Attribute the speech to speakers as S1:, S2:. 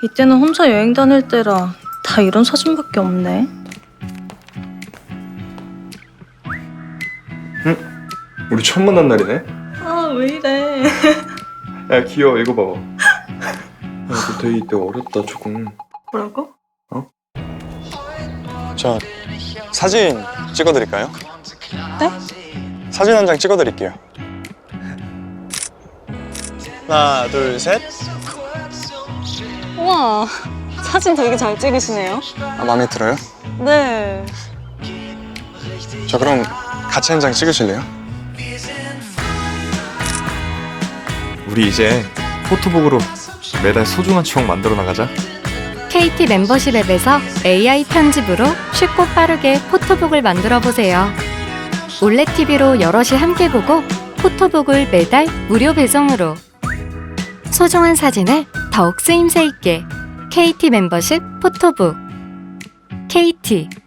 S1: 이때는 혼자 여행 다닐 때라 다 이런 사진밖에 없네.
S2: 응? 우리 처음 만난 날이네?
S1: 아, 왜 이래.
S2: 야, 귀여워. 이거 봐봐. 야, 너 데이 때 어렸다, 조금.
S1: 뭐라고?
S3: 저 사진 찍어드릴까요?
S1: 네?
S3: 사진 한 장 찍어드릴게요. 하나, 둘, 셋.
S4: 우와, 사진 되게 잘 찍으시네요.
S3: 아, 마음에 들어요?
S4: 네.
S3: 저 그럼 같이 한 장 찍으실래요?
S2: 우리 이제 포토북으로 매달 소중한 추억 만들어 나가자.
S5: KT 멤버십 앱에서 AI 편집으로 쉽고 빠르게 포토북을 만들어 보세요. 올레 TV로 여럿이 함께 보고 포토북을 매달 무료 배송으로. 소중한 사진을 더욱 쓰임새 있게 KT 멤버십 포토북. KT